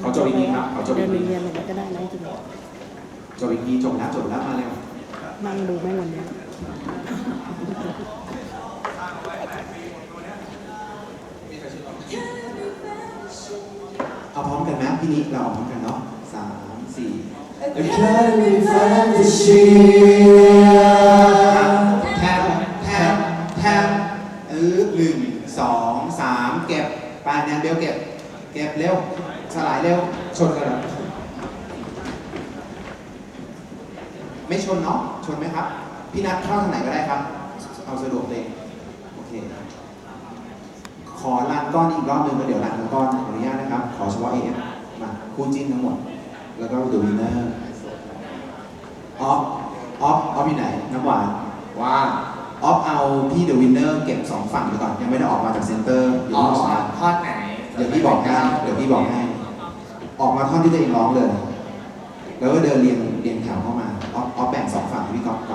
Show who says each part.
Speaker 1: ขอจบอีกทีครับขอจบอี
Speaker 2: เดิ
Speaker 1: ก
Speaker 2: น
Speaker 1: ที
Speaker 2: เรียนอะไรก็ได้นะจริง
Speaker 1: จบอีกทีจบแล้วมาเร็ว
Speaker 2: ๆนั่งดูแม่งวันนี้
Speaker 1: เอาพร้อมกันไหมพี่นิเราเอาพร้อมกันเนาะ3 4
Speaker 3: I carry fantasy
Speaker 1: แทม1 2 3เก็บไปแนนเบลเก็บเร็วสลายเร็วชนกันเหรอไม่ชนเนาะชนไหมครับพี่นัทเข้าทางไหนก็ได้ครับเอาสะดวกเลยโอเคขอรันก้อนอีกรอบนึงแล้วเดี๋ยวรันทั้งก้อนขออนุญาตนะครับขอเฉพาะ AF มาคู่จิ้นทั้งหมดแล้วก็ The Winner ออฟอยู่ไหนน้ำหวานว่าออฟเอาพี่เดอะวินเนอร์เก็บ2ฝั่งไปก่อนยังไม่ได้ออกมาจากเซ็นเตอร์เดี๋ยวพี่บอกนะ
Speaker 3: ท่อนไหน
Speaker 1: เดี๋ยวพี่บอกให้ออกมาท่อนที่ตัวเองร้องเลยแล้วก็เดินเรียงแถวเข้ามาออฟแบ่ง2ฝั่งให้พี่ก๊อฟ